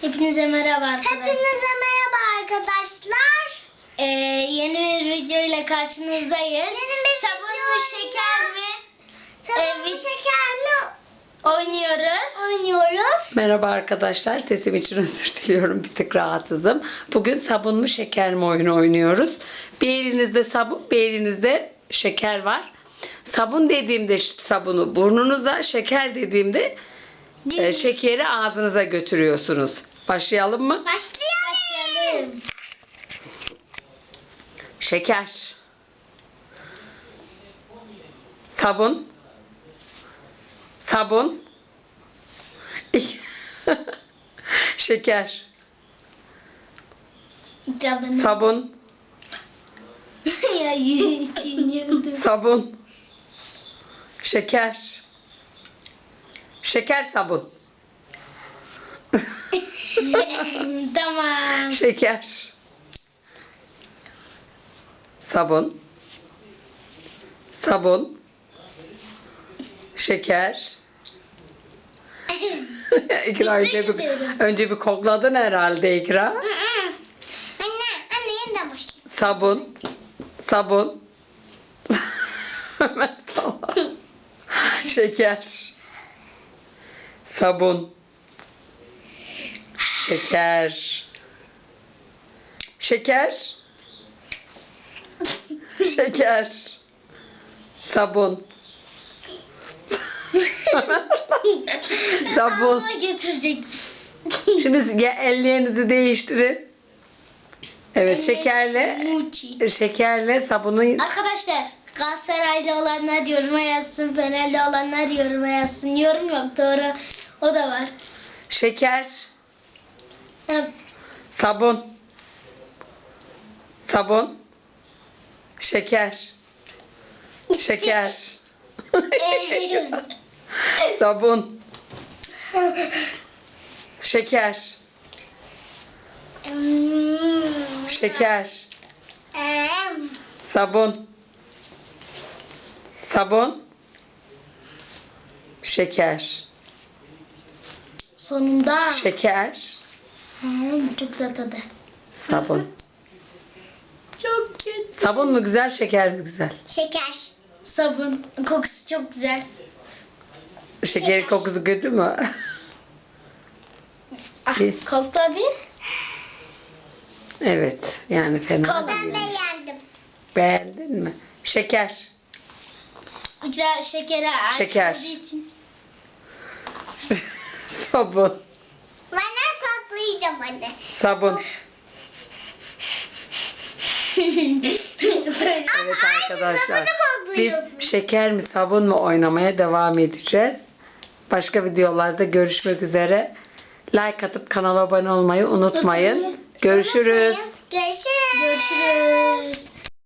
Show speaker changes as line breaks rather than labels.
Hepinize merhaba arkadaşlar.
Hepinize merhaba arkadaşlar.
Yeni bir video ile karşınızdayız.
Yeni bir
Sabun mu şeker mi?
Sabun mu şeker mi
Oynuyoruz.
Merhaba arkadaşlar. Sesim için özür diliyorum. Bir tık rahatsızım. Bugün sabun mu şeker mi oyunu oynuyoruz. Bir elinizde sabun, bir elinizde şeker var. Sabun dediğimde sabunu burnunuza, şeker dediğimde şekeri ağzınıza götürüyorsunuz. Başlayalım mı?
Başlayalım.
Şeker. Sabun. Sabun. Şeker.
Cabını.
Sabun.
Ya içiniyordum.
Sabun. Şeker. Şeker sabun.
Tamam.
Şeker. Sabun. Sabun. Şeker. İkra önce bir kokladın herhalde İkra.
Anne yeniden başlayalım.
Sabun. Sabun. Tamam. Şeker. Sabun. Şeker. Şeker. Şeker. Sabun. Sabun.
Ağzıma getirecek.
Şimdi ellerinizi değiştirin. Evet, şekerle
Muçi.
şekerle sabunu.
Arkadaşlar Galatasaraylı olanlar yoruma yazsın. Fenerli olanlar yoruma yazsın. Yorum yok doğru. O da var.
Şeker.
Ha,
Sabun. Sabun. Şeker. Şeker. Sabun. Şeker. Şeker. Sabun. Sabun. Şeker.
Sonunda.
Şeker.
Çok güzel tadı.
Sabun.
Çok kötü.
Sabun mu güzel, şeker mi güzel?
Şeker.
Sabun. Kokusu çok güzel.
Şekerin kokusu kötü mü?
Ah,
Bir-
kokla bir.
Evet, yani fena
Kola.
değil.
Ben beğendim.
Beğendin mi? Şeker.
İcra şekeri aç
Şeker.
olduğu için.
Sabun.
Ben saklayacağım anne.
Sabun. Evet arkadaşlar. Biz şeker mi sabun mu oynamaya devam edeceğiz. Başka videolarda görüşmek üzere. Like atıp kanala abone olmayı unutmayın. Görüşürüz.
Görüşürüz.
Görüşürüz.